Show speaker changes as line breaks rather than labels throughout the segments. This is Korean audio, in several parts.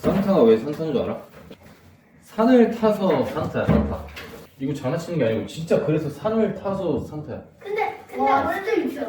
산타가 왜 산타인 줄 알아? 산을 타서 산타야, 산타. 이거 장난치는 게 아니고 진짜 그래서 산을 타서 산타야.
근데 완전 있어.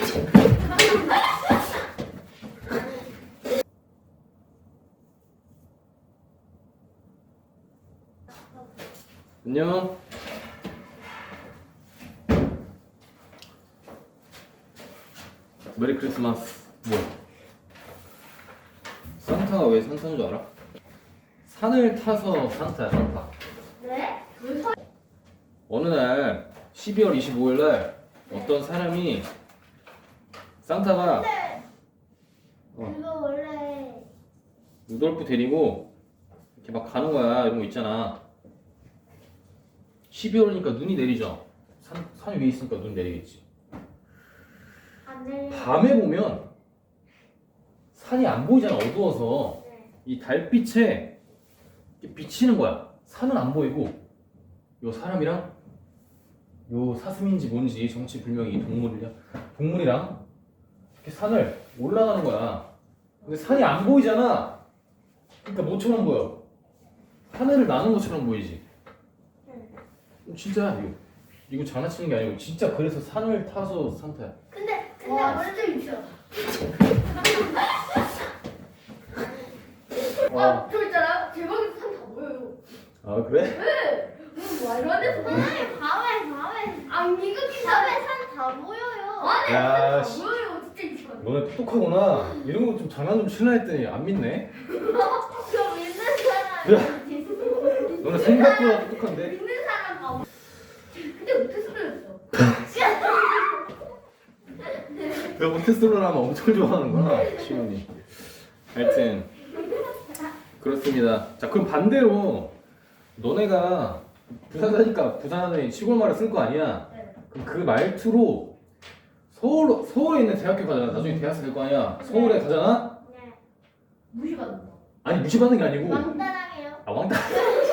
안녕. 메리 크리스마스. 뭐야? 산타가 왜 산타인 줄 알아? 산을 타서 산타야, 산타.
네?
어느 날 12월 25일 날 어떤 사람이 산타가
이거 원래
루돌프 데리고 이렇게 막 가는 거야. 이런 거 있잖아. 12월이니까 눈이 내리죠. 산 위에 있으니까 눈 내리겠지.
안 내려.
밤에 보면 산이 안 보이잖아. 어두워서
네.
이 달빛에 이렇게 비치는 거야. 산은 안 보이고 요 사람이랑 요 사슴인지 뭔지 정치불명의 이 동물이랑 이렇게 산을 올라가는 거야. 근데 산이 안 보이잖아. 그러니까 뭐처럼 보여? 하늘을 나는 것처럼 보이지. 진짜 이거 장난치는 게 아니고 진짜 그래서 산을 타서 산타야.
근데 완전 있어.
와.
저 있잖아요. 제 방에서 산다 보여요.
아 그래?
네. 말도 안 돼서
선생님 밤에
안 이거
밤에 산 다 보여요.
안에
야,
산다
씨.
보여요. 진짜 있어.
너네 똑똑하구나. 이런 거 좀 장난 좀 치려 했더니 안 믿네.
저 믿는 사람 있어.
너네 생각보다 똑똑한데?
믿는 사람 봐. 근데 못했어요.
너 모태솔로를 하면 엄청 좋아하는구나, 시온이. 하여튼 그렇습니다. 자, 그럼 반대로 너네가 부산 사니까 부산에 시골 말을 쓸 거 아니야?
네.
그럼 그 말투로 서울에 있는 대학교 가잖아. 나중에 대학생 될 거 아니야? 서울에 가잖아?
네.
무시받는다.
아니 무시받는 게 아니고
왕따랑해요.
아 왕따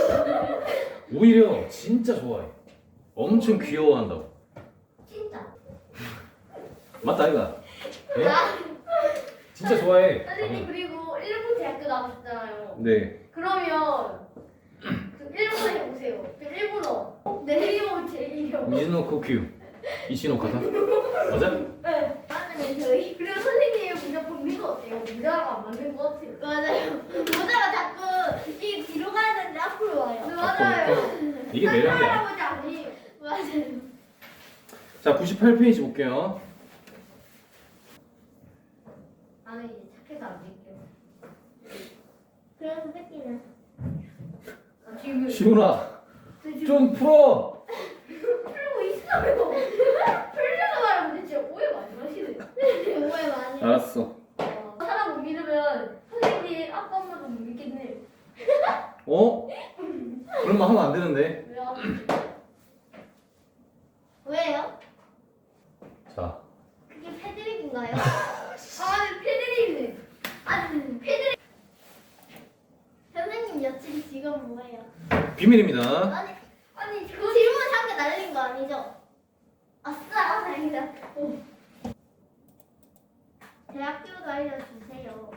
오히려 진짜 좋아해. 엄청 귀여워한다고.
진짜.
맞다 이가? 예? 진짜 좋아해.
선생님 그리고 일본 대학교 나가셨잖아요.
네.
그러면 그 일본에 오세요. 그 일본어. 네이버 제이요.
미즈노 코큐 이시노 가사 맞아?
네.
맞는 저희.
그리고 선생님의 모자 분리가 어때요? 모자가 안 맞는 것 같아요.
맞아요. 모자가 자꾸 이 뒤로 가야 되는데 앞으로 와요.
네, 맞아요.
이게 매력이야.
할아버지 아니에요.
맞아요.
자 98페이지 볼게요.
나는 이제 착해서 안 될게요.
그래서 새끼는
지금
시훈아 좀 풀어.
풀고 있어요. 풀려서 말하면 진짜 오해 많이 하시네요.
오해 많이.
알았어.
사람 못 믿으면 선생님 아빠 엄마도 못 믿겠네.
어? 그런 말 하면 안 되는데.
왜요?
왜요?
자
그게 패드립인가요?
아, 패드립이네. 아니, 패드립.
선생님 여친 직업 뭐예요?
비밀입니다.
아니, 그
질문 한개 날린 거 아니죠? 아싸, 다행이다. 대학교도 알려주세요.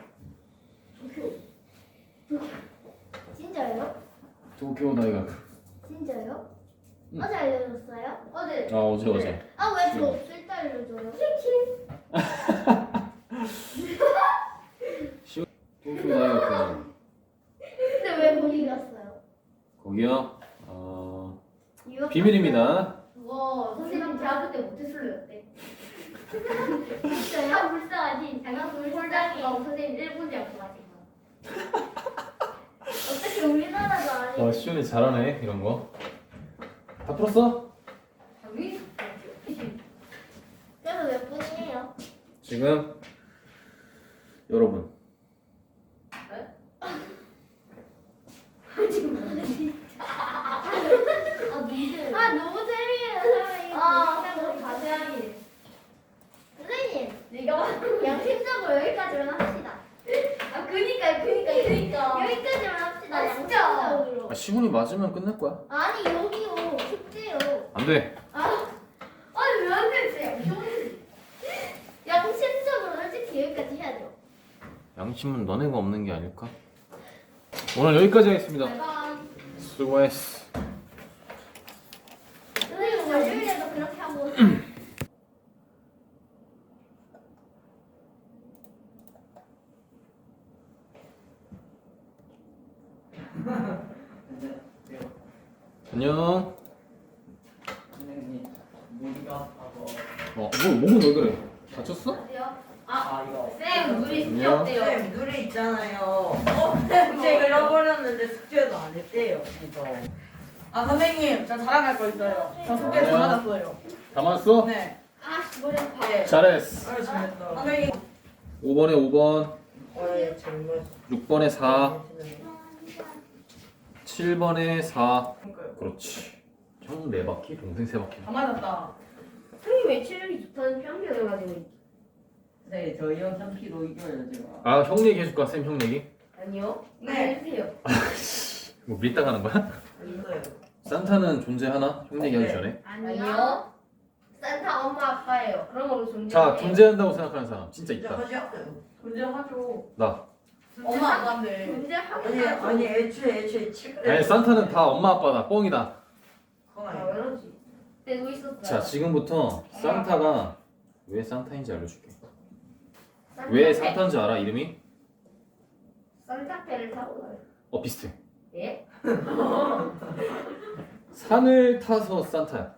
진짜요?
도쿄 다이각.
진짜요?
응.
어제 알려줬어요?
어제
아 어제.
아, 왜 저 없을 때 알려줘요?
도쿄 다이각.
근데 왜 거기 갔어요?
거기요.
유학
비밀입니다.
와, 선생님 대학교 때 모태솔로였대.
진짜요?
아, 불쌍하지. 장학금 홀장이고 선생님 일본 대학교 가신 거.
어떻게 우리나라도 아니고
시훈이 잘하네 이런 거. 다 풀었어?
당연히
그래서 몇 분이에요?
지금 여러분.
아, 니들.
아, 너무 재미있는
아,
사람이
너무 자세하게.
선생님,
내가
양심적으로 여기까지만 합시다.
아, 그니까.
여기까지만 합시다.
아, 진짜?
양심적으로.
시훈이 맞으면 끝낼 거야.
아니, 여기요. 숙제요.
안 돼.
아니, 왜 안 되지?
양심적으로 솔직히 여기까지 해야 돼요.
양심은 너네가 없는 게 아닐까? 오늘 여기까지 하겠습니다.
대박.
수고했어.
선생님 월요일에도 그렇게 하고
안녕.
선생님 무리가 아파서
목은 왜 그래? 다쳤어?
이거
쌤 우리 숙제
안녕.
어때요?
쌤 눈이 있잖아요. 숙제 잃어버렸는데 숙제도 안 했대요. 그래서
선생님, 저 자랑할 거 있어요. 저 숙제 다 받았어요.
다 맞았어?
네.
아 머리 아파.
네.
잘했어.
아유 잘했다.
선생님,
5번에 5번,
네 정말
6번에 4, 7번에 4. 그렇지. 형 4바퀴, 동생 3바퀴.
다 맞았다.
선생님 왜 체력이 좋다는 편견을 가지고 있지?
네 저희형 3kg 이겨요 제가.
아, 형 얘기 해줄까? 쌤 형 얘기?
아니요.
네.
해주세요.
뭐 밀당 하는 거야?
있어요.
산타는 존재하나? 형 얘기하기
네.
전에.
아니요. 산타 엄마 아빠예요. 그런 걸로 존재.
자, 존재한다고 생각하는 사람 진짜
진짜
있다.
하지 않아요.
존재하죠.
나.
엄마 아빠인데.
존재하고
아니 애초에 칠.
아니, 산타는 다 엄마 아빠다. 뻥이다.
그건
아
아니에요.
그러지. 내고 있었어요.
자, 지금부터 산타가 왜 산타인지 알려줄게.
산타페.
왜 산타인지 알아? 이름이?
산타페를 타고 가요.
비슷해.
예?
산을 타서 산타야.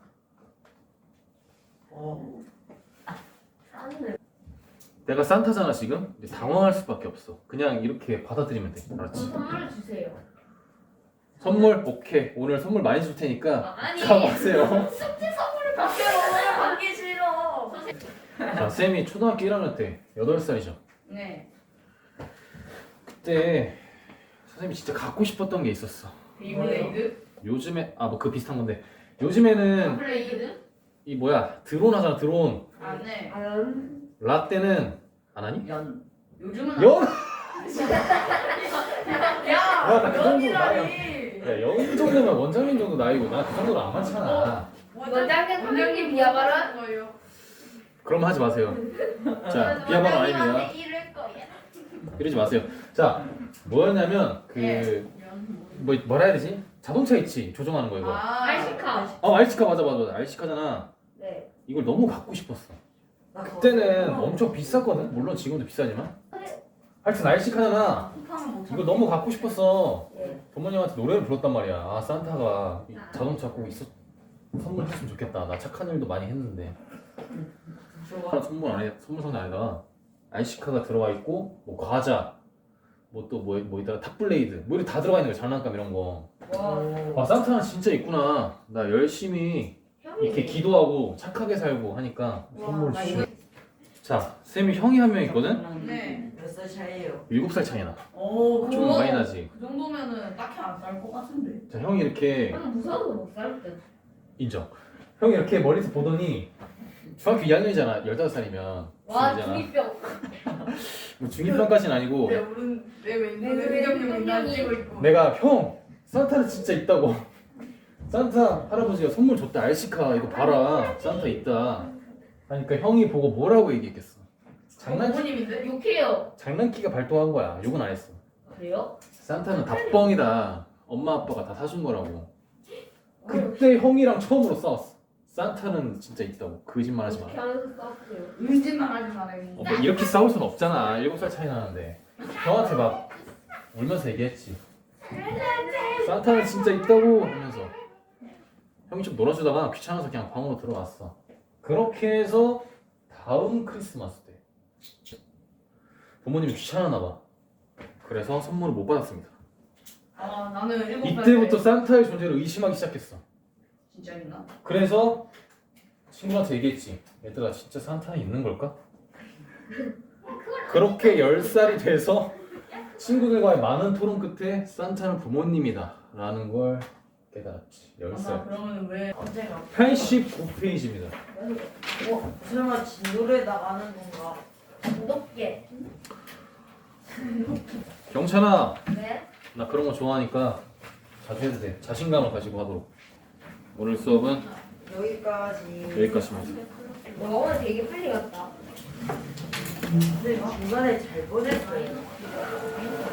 산을.
내가 산타잖아 지금. 근데 당황할 수밖에 없어. 그냥 이렇게 받아들이면 돼. 알았지?
선물을 주세요.
선물 오케이. 오늘 선물 많이 줄 테니까
아니.
가보세요.
숙제 선물을 받게요. 받기 싫어.
자, 쌤이 초등학교 1학년 때 8살이죠.
네.
그때 선생님이 진짜 갖고 싶었던 게 있었어.
베이블레이드?
요즘에 뭐 그 비슷한 건데 요즘에는
블레이드?
이 뭐야 드론 하잖아 드론.
네.
라떼는 안 하니?
연.
요즘은
영?
야,
나그 정도
연이라니.
야, 영 정도면 원장님 정도 나이고 나 그 정도는 안 많잖아.
원장님 선생님 비하발언?
거예요.
그럼 하지 마세요. 자, 비하발언 아닙니다.
이럴 거야.
이러지 마세요. 자, 뭐였냐면 뭐라 해야 되지? 자동차 있지 조종하는 거 이거.
알시카.
알시카 맞아. 알시카잖아.
네.
이걸 너무 갖고 싶었어.
나 그거
그때는 엄청 비쌌거든. 물론 지금도 비싸지만. 하여튼 알시카잖아. 이거 너무 갖고 싶었어.
예.
부모님한테 노래를 불렀단 말이야. 아, 산타가 이 자동차 꼭 선물했으면 좋겠다. 나 착한 일도 많이 했는데.
좋아.
선물 상자 안에다가 알시카가 들어가 있고 뭐 과자 뭐 또 뭐 이따가 탑블레이드 뭐 이렇게 다 들어가 있는 거야. 장난감 이런 거. 아, 산타는 진짜 있구나. 나 열심히 이렇게 기도하고 착하게 살고 하니까 선물 주시. 자, 쌤이 형이 한 명 있거든.
네.
몇살 차이에요?
7살 차이 나.
오,
좀 많이 나지.
그 정도면은 딱히 안 쌀 것 같은데.
자, 형이 이렇게
저는 무서워서 못 살 듯.
인정. 형이 이렇게 멀리서 보더니 중학교 2학년이잖아. 15살이면
와
중이잖아.
중이병.
뭐 중2병까지는 아니고
내 왼손에 의경님이 날 찍고 있고.
내가 형 산타는 진짜 있다고. 산타 할아버지가 선물 줬다. 알시카 이거 봐라. 산타 있다. 하니까 형이 보고 뭐라고 얘기했겠어.
부모님인데?
장난기가 발동한 거야. 욕은 안 했어.
그래요?
산타는 다 뻥이다. 엄마 아빠가 다 사준 거라고. 그때 형이랑 처음으로 싸웠어. 산타는 진짜 있다고. 거짓말하지 마.
어떻게 하면서 싸웠어요?
은진만 하지 말아요.
뭐 이렇게 싸울 순 없잖아. 7살 차이 나는데. 형한테 막 울면서 얘기했지. 산타는 진짜 있다고 하면서. 형이 좀 놀아주다가 귀찮아서 그냥 방으로 들어왔어. 그렇게 해서 다음 크리스마스 때 부모님이 귀찮았나 봐. 그래서 선물을 못 받았습니다.
나는 7살
이때부터
때
산타의 존재를 의심하기 시작했어.
진짜 있나?
그래서 친구한테 얘기했지. 얘들아 진짜 산타는 있는 걸까? 그렇게 10살이 돼서 친구들과의 많은 토론 끝에 산타는 부모님이다 라는 걸 깨달았지. 10살.
그러면 왜 언제가?
89페이지입니다.
설마 진노래 나가는 건가?
무겁게.
경찬아,
네.
나 그런 거 좋아하니까 자주 해도 돼. 자신감을 가지고 하도록. 오늘 수업은
여기까지.
여기까지입니다.
와 오늘 되게 빨리 갔다.
근데 중간에 잘 보냈어요.